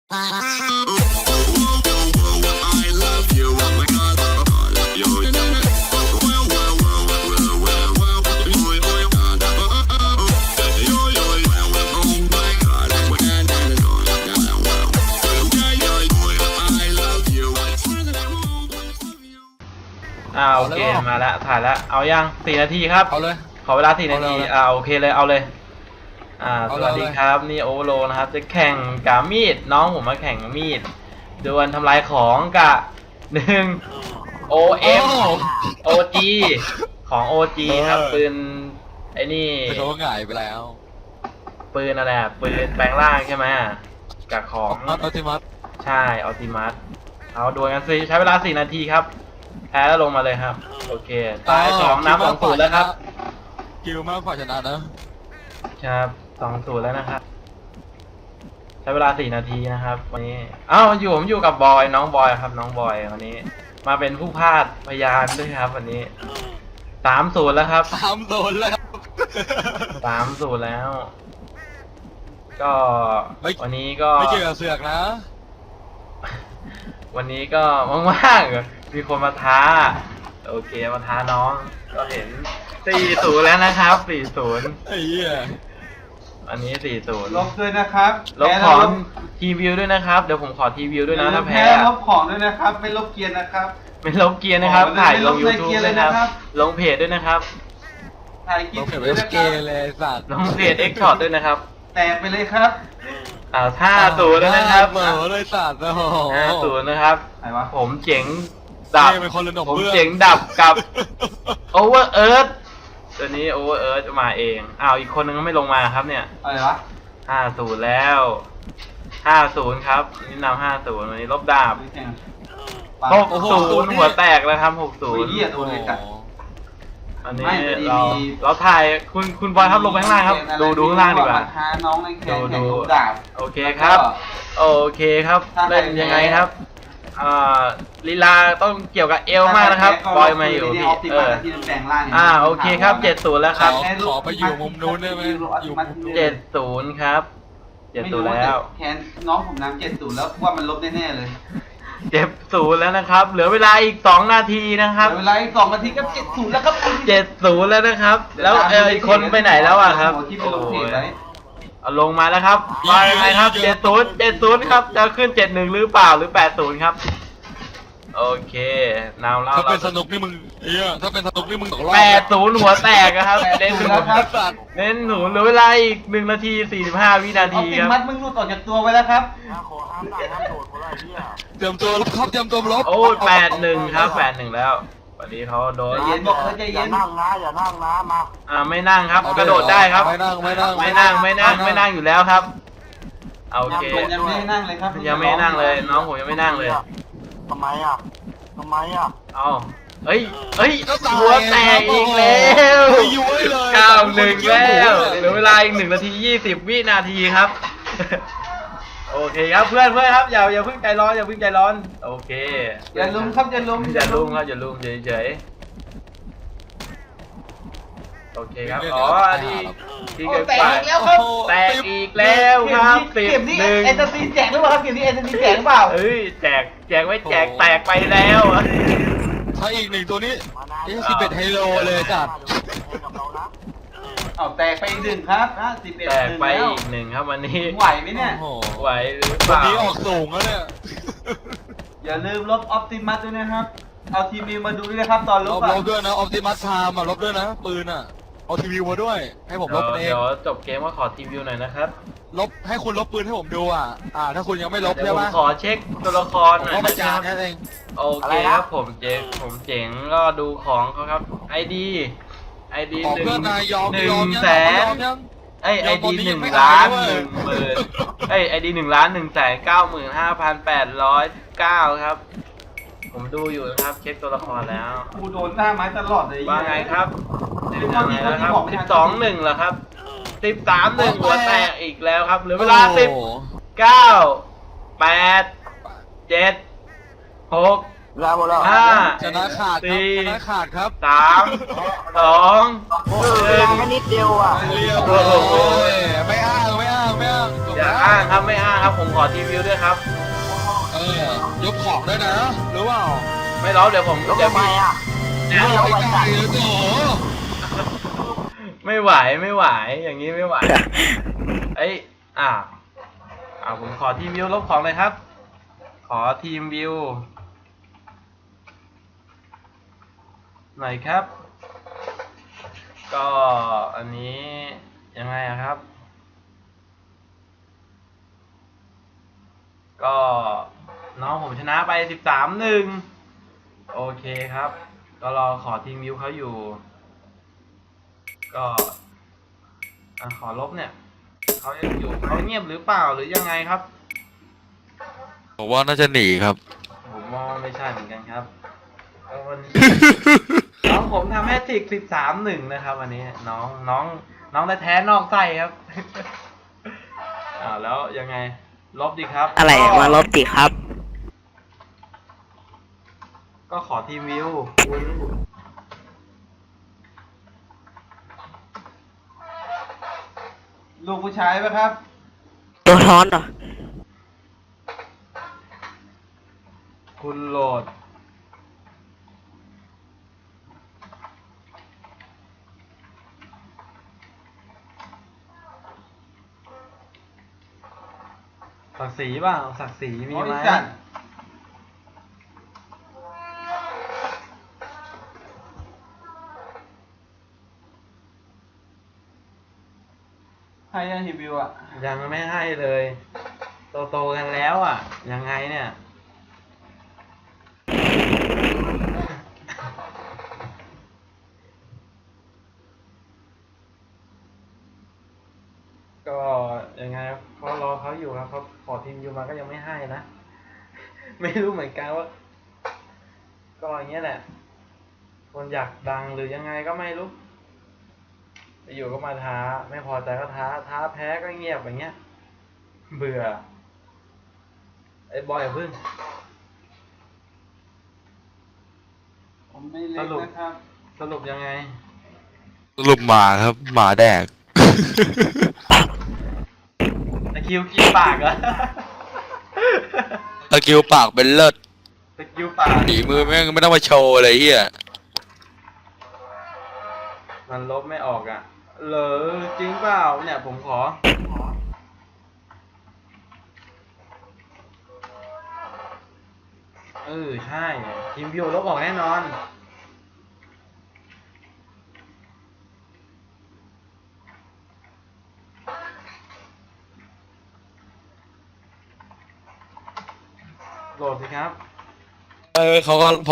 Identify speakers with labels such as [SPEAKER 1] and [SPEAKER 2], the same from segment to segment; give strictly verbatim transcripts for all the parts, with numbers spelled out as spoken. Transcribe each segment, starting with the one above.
[SPEAKER 1] อ่าโอเคมาแล้วถ่ายแล้วเอายังสี่นาทีครับ
[SPEAKER 2] เอาเลย
[SPEAKER 1] ขอเวลาสี่นาทีอ่าโอเคเลยเอาเลยอ่าสวัสดีครับนี่โอเวอร์โลนะครับจะแข่งกับมีดน้องผมมาแข่งมีดดวลทำลายของกับหนึ่ง โอ เอ็ม โอ จี ของ โอ จี ครับปืนไอ้นี่
[SPEAKER 2] เขาหงายไปแล้ว
[SPEAKER 1] ปืนอะไรปืนแปลงร่างใช่ไหมกับของ
[SPEAKER 2] อัลติมัส
[SPEAKER 1] ใช่อัลติมัสเอาดวลกันสิใช้เวลาสี่นาทีครับแพ้แล้วลงมาเลยครับโอเคตายสองน้ำสองศูนย์แล้วครับ
[SPEAKER 2] กิวมากกว่าชนะนะครับ
[SPEAKER 1] สองศูนย์แล้วนะครับใช้เวลาสี่นาทีนะครับวันนี้อ้าวอยู่ผมอยู่กับบอยน้องบอยครับน้องบอยวันนี้มาเป็นผู้พากย์พยานด้วยครับวันนี้สามศูนย์แล้วครับ
[SPEAKER 2] สามศูนย์แล้ว
[SPEAKER 1] สามศูนย์แล้วก็วันนี้ก็
[SPEAKER 2] ไม่เกี่ยวกับเสือกนะ
[SPEAKER 1] วันนี้ก็ว่างๆมีคนมาท้าโอเคมาท้าน้องก็เห็นสี่ศูนย์แล้วนะครับสี่ศูนย์
[SPEAKER 2] ไอ้เหี้ย
[SPEAKER 1] อันนี้สี่ศูนย์
[SPEAKER 3] ลบด้วยนะครับ
[SPEAKER 1] ลบของทีวิวด้วยนะครับเดี๋ยวผมขอทีวิวด้วยนะถ้าแพ้
[SPEAKER 3] ลบของด้วยนะครับไม่ลบเกียร์นะครับ
[SPEAKER 1] ไม่ลบเกียร์นะครับถ่ายลง ยูทูบ เลยนะครับลงเพจด้วยนะครับ
[SPEAKER 3] ถ่ายคลิป
[SPEAKER 2] ด้วยนะครับ
[SPEAKER 1] ลงเพจเอ็กช็อตด้วยนะครับ
[SPEAKER 3] แตกไปเลยครับ
[SPEAKER 1] อ่าห้าศูนย์นะครับ
[SPEAKER 2] เหม่อเลยสัตว์โอ้โห
[SPEAKER 1] ห้าศูนย์นะครับผมเจ๋งดับผมเจ๋ง
[SPEAKER 2] ดั
[SPEAKER 1] บกับโอเวอร์เอิร์ธตัวนี้โอเวอร์เอิร์ธมาเองอ้าวอีกคนนึงก็ไม่ลงมาครับเนี่ย
[SPEAKER 3] อะไรวะ
[SPEAKER 1] ห้าศูนย์แล้วห้าศูนย์ครับนี่นำห้าศูนย์วันนี้ลบดาบหกศูนย์หัวแตกแล้วครับหกศูนย์อันนี้เราเราถ่ายคุณคุณบอยครับลงไปข้างล่างครับดูดูข้างล่างดีกว่าดูดูโอเคครับโอเคครับเล่นยังไงครับอ่าลีลาต้องเกี่ยวกับเอวมากนะครับบอยมาอยู่พี่เอออ่าโอเคครับเจ็ดศูนย์แล้วครับ
[SPEAKER 2] ขอไปอยู่มุมนู้นได้ไหมอยู่
[SPEAKER 1] เจ็ดศูนย์ครับเจ็ดศูนย์แล้ว
[SPEAKER 3] แคนน้องผมน้ำเจ็ดศูนย์แล้วว่ามันลบแน่ๆเลย
[SPEAKER 1] เจ็ดศูนย์แล้วนะครับเหลือเวลาอีกสองนาทีนะครับ
[SPEAKER 3] เวลาอีกสองนาทีก็เจ็ดศูนย์แล้วครับ
[SPEAKER 1] เจ็ดศูนย์แล้วนะครับแล้วเอออีกคนไปไหนแล้วอ่ะครับเอาลงมาแล้วครับมายังไงครับเจ็ดศูนย์เจ็ดศูนย์ครับจะขึ้นเจ็ดหนึ่งหรือเปล่าหรือแปดศูนย์ครับโอเคนาวแล้ว
[SPEAKER 2] ถ้าเป็นสนุกนี่มึงเอ้ยถ้าเป็นสนุกนี่มึงตกรอบ
[SPEAKER 1] แปดศูนย์หัวแตกครับเน้นหนูครับเน้นหนูเหลือเวลาอีกหนึ่งนาทีสี่สิบห้าวินาทีครับ
[SPEAKER 3] มัดมึงหลุดออกจากตัวไปแล้วครับ
[SPEAKER 2] เตรียมตัวลบครับเตรียมตัวลบ
[SPEAKER 1] โอ้แปดหนึ่งครับแปดหนึ่งแล้ววันนี้เขาโดน
[SPEAKER 3] เย็นบอกเขาใจเย็น
[SPEAKER 4] นั่งนะอย่านั่งนะมา
[SPEAKER 1] อ่าไม่นั่งครับกระโดดได้ครับ
[SPEAKER 2] ไม่นั่งไม่นั่ง
[SPEAKER 1] ไม่นั่งไม่นั่งไม่นั่งอยู่แล้วครับโอเค
[SPEAKER 3] ยังไม่นั่งเลยครับ
[SPEAKER 1] ยังไม่นั่งเลยน้องผมยังไม่นั่งเลย
[SPEAKER 4] ทำไมอ่ะทำไมอ่ะ
[SPEAKER 1] เอาเฮ้ยเฮ้ยหัวแตกอีกแล้วเก้าหนึ่งแล้วเหลือเวลาอีกหนึ่งนาทียี่สิบวินาทีครับโอเคครับเพื่อนเพื่อนครับอย่าอย่าเพิ่งใจร้อนอย่าเพิ่งใจร้อนโอเค
[SPEAKER 3] อย่าลุมครับอย่าลุม
[SPEAKER 1] อย่าลุมครับอย่าลุมเฉยๆโอเคครับอ๋อดีที่เกิด
[SPEAKER 3] แตกอีกแล้วครับ
[SPEAKER 1] แตกอีกแล้วครับสิบหนึ่ง
[SPEAKER 3] เอ็นซีแจกหรือเปล่าครับเกมนี้เอ็นซีแจกหรือเปล่า
[SPEAKER 1] เอ้ยแจกแจกไว้แจกแตกไปแล้ว
[SPEAKER 2] ถ้าอีกหนึ่งตัวนี้นี่สิบเอ็ดไฮโลเลยจัด
[SPEAKER 3] เอาแตกไปอีกหนึ่งครับนะสิบเอ็ด
[SPEAKER 1] แตกไปอีกหนึ่งครับวันนี้
[SPEAKER 3] ไหวไหมเนี่ย
[SPEAKER 1] ไหวหรือเปล่า
[SPEAKER 2] วันนี้ออกสูงแล้วเนี่ย
[SPEAKER 3] อย่าลืมลบออปติมัสด้วยนะครับเอาทีวีมาดูด้วยนะครับตอนลบ
[SPEAKER 2] ลบด้วยนะออปติมัสไทม์อ่ะลบด้วยนะปืนอ่ะเอาทีวีมาด้วยให้ผมลบเอง
[SPEAKER 1] เดี๋ยวจบเกมก็ขอทีวีหน่อยนะครับ
[SPEAKER 2] ลบให้คุณลบปืนให้ผมดูอ่ะอ่าถ้าคุณยังไม่ลบใช่ไหม
[SPEAKER 1] ขอเช็คตัวละครหน่อย
[SPEAKER 2] นะครับ
[SPEAKER 1] โอเคครับผมเจ๋งผมเจ๋งก็ดูของเขาครับไอดีไอดีหนึ่งหนึ่งแสนไอไอดีหนึ่งล้านหนึ่งหมื่นไอไอดีหนึ่งล้านหนึ่งแสนเก้าหมื่นห้าพันแปดร้อยเก้าครับผมดูอยู่นะครับเช็คตัวละครแล้ว
[SPEAKER 3] กูโดนหน้าไม้ตลอดเลย
[SPEAKER 1] ว่าไงครับเป็นยังไงแล้วครับสิบสองหนึ่งเหรอครับสิบสามหนึ่งหัวแตกอีกแล้วครับเหลือเวลาสิบเก้าแปดเจ็ดหกห้า
[SPEAKER 2] ชนะขาด
[SPEAKER 1] สี่
[SPEAKER 2] ชนะขาดครับ
[SPEAKER 1] สามสอง
[SPEAKER 4] หนึ่งแค่นิดเดียวอ่ะ
[SPEAKER 2] ไม่อ้างไม่อ้างไม่อ้าง
[SPEAKER 1] เอย่าอ้างครับไม่อ้างครับผมขอทีวิวด้วยครับ
[SPEAKER 2] เออยกของได้นะหรือเปล่า
[SPEAKER 1] ไม่ร้องเดี๋ยวผม
[SPEAKER 4] แล้ว
[SPEAKER 1] เดี๋ยว
[SPEAKER 4] ทำไม
[SPEAKER 1] พี่
[SPEAKER 4] อ่ะ
[SPEAKER 2] ไม่เอาไปไกลเลยโถ
[SPEAKER 1] ไม่ไหวไม่ไหวอย่างนี้ไม่ไหวเอ้ยอ่าอ่าผมขอทีมวิวลบของเลยครับ ขอทีมวิวหน่อยครับ ก็อันนี้ยังไงอะครับ ก็น้องผมชนะไปสิบสามหนึ่งโอเคครับ ก็รอขอทีมวิวเขาอยู่ ก็อ่ะขอลบเนี่ยเขายังอยู่เขาเงียบหรือเปล่าหรือยังไงครับ
[SPEAKER 2] ผมว่าน่าจะหนีครับ
[SPEAKER 1] ผมมองว่าไม่ใช่เหมือนกันครับก็วัน น้องผมทำแฮตทริกสิบสามหนึ่งนะครับวันนี้น้องน้องน้องแท้ๆนอกไส้ครับ อ่าแล้วยังไงลบดีครับ
[SPEAKER 5] อะไรอะมาลบดิครับ
[SPEAKER 1] ก็ขอทีมวิวคุณ
[SPEAKER 3] ลูกผู้ชายปะครับ
[SPEAKER 5] ตัวท้อนเหรอ
[SPEAKER 1] คุณโหลดศักดิ์ศรีเปล่าศักดิ์ศรีมี
[SPEAKER 3] โอ้
[SPEAKER 1] ไหม
[SPEAKER 3] ยสัตว์ให้ยังทีวิวอ่ะ
[SPEAKER 1] ยังไม่ให้เลยโตโตๆกันแล้วอ่ะ ยังไงเนี่ย ก็ยังไงเขารอเขาอยู่ครับเขาขอทีมยูมาก็ยังไม่ให้นะ ไม่รู้เหมือนกันว่า ก็อย่างเงี้ยแหละ คนอยากดังหรือยังไงก็ไม่รู้อยู่ก็มาท้า ไม่พอใจก็ท้า ท้าแพ้ก็เงียบอย่างเงี้ย เบื่อ ไอ้บอยอย่าพึ่ง
[SPEAKER 3] ผมไม่เล็กนะครับ
[SPEAKER 1] สรุปยังไง
[SPEAKER 2] สรุปหมาครับ หมาแดก
[SPEAKER 1] ตะคริวกินปากเหรอ
[SPEAKER 2] ตะกิวปากเป็นเลิศ
[SPEAKER 1] ตะคริวปาก
[SPEAKER 2] หนีมือแม่งไม่ต้องมาโชว์อะไรเฮีย
[SPEAKER 1] มันลบไม่ออกอ่ะเหรอจริงเปล่าเนี่ยผมขอ เออใช่ทีมวิวลบออกแน่นอน โหลดสิครับ
[SPEAKER 2] เออเขาก็ผม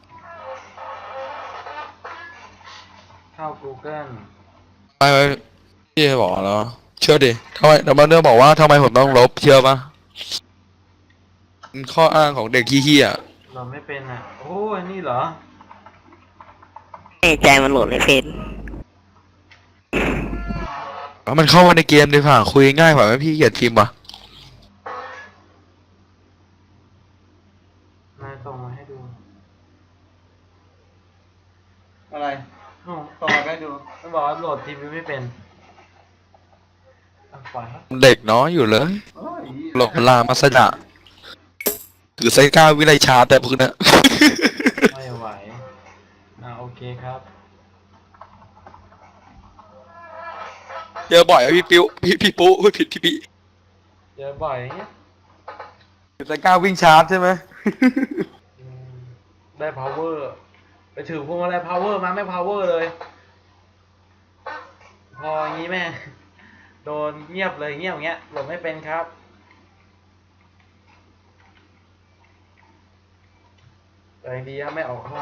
[SPEAKER 1] เข้า Google
[SPEAKER 2] ไปไปพี่บอกแล้วเชื่อดิทำไมแต่มาเรื่องบอกว่าทำไมผมต้องลบเชื่อปะเป็นข้ออ้างของเด็กขี้เหี้ย
[SPEAKER 1] โหลดไม่เป็นอ่ะ โอ้ยนี่เหรอ
[SPEAKER 5] แน่ใจมันโหลดไม่เป็น
[SPEAKER 2] แล้วมันเข้ามาในเกมดีกว่าคุยง่ายกว่าไหมพี่เกียดพิมพ์วะ
[SPEAKER 1] นายส่งมาให้ดู
[SPEAKER 3] อะไร
[SPEAKER 1] โอ้
[SPEAKER 3] ต่อไปดู
[SPEAKER 1] มันบอกว่าโหลดทีวีไม่เป็นอ่ะปล่อยครับ
[SPEAKER 2] เด็กน้อยอยู่เลย
[SPEAKER 3] โอ้ย
[SPEAKER 2] หลบลามาสดะถือไซก้าวิไลชาแต่พวกนั้น
[SPEAKER 1] ไม่ไหวอ่าโอเคครับ
[SPEAKER 2] เจอบ่อยอะพี่ปิ้วพี่พี่ปุ๊เฮ้ยผิดพี่พี่
[SPEAKER 1] เจอบ่อยอย่างเงี้ย
[SPEAKER 2] ถือไซก้าวิ่งชาร์จใช่ไหม
[SPEAKER 1] อืมได้ power ไปถือพวงมาลัย power มาไม่ power เลย พออย่างงี้แม่งโดนเงียบเลยเงียบอย่างเงี้ยโหลดไม่เป็นครับ แต่ยังดีครับไม่ออกห้อง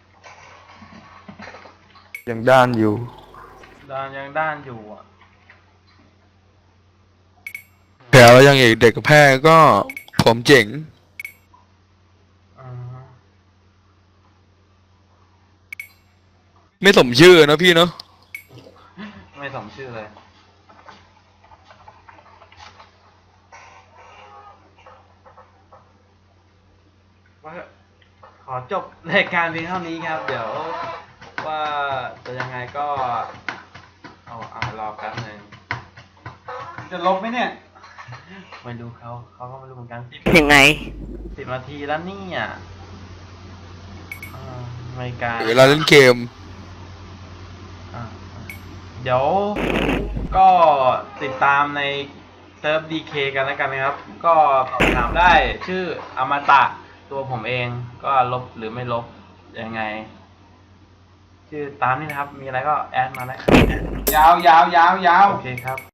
[SPEAKER 2] ยังด้านอยู่
[SPEAKER 1] ด้านยังด้านอยู่อ่ะ
[SPEAKER 2] แถวยังอีกเด็กกับแพ้ก็ผมเจ๋ง
[SPEAKER 1] อ่าฮะ
[SPEAKER 2] ไม่สมชื่อนะพี่เนาะ
[SPEAKER 1] ไม่สมชื่อเลย ว่าขอจบรายการเพียงเท่านี้ครับ เดี๋ยวว่าจะยังไงก็ เอาเอารอแป๊บหนึง
[SPEAKER 3] จะลบไหมเนี่ย
[SPEAKER 1] ไม่รู้เขาเขาก็ไม่รู้เหมือนกันสิบ
[SPEAKER 5] ยังไง
[SPEAKER 1] สิบนาทีแล้วเนี่ยอ่าไม่ไกล
[SPEAKER 2] เวลาเล่นเกม
[SPEAKER 1] อ่าเดี๋ยวก็ติดตามในเซิร์ฟ ดี เค กันแล้วกันนะครับ ก็สอบถามได้ชื่ออมตะตัวผมเองก็ลบหรือไม่ลบยังไง ชื่อตามนี่นะครับ มีอะไรก็แอดมาได้
[SPEAKER 3] ยาวยาวยาวยาว
[SPEAKER 1] โอเคครับ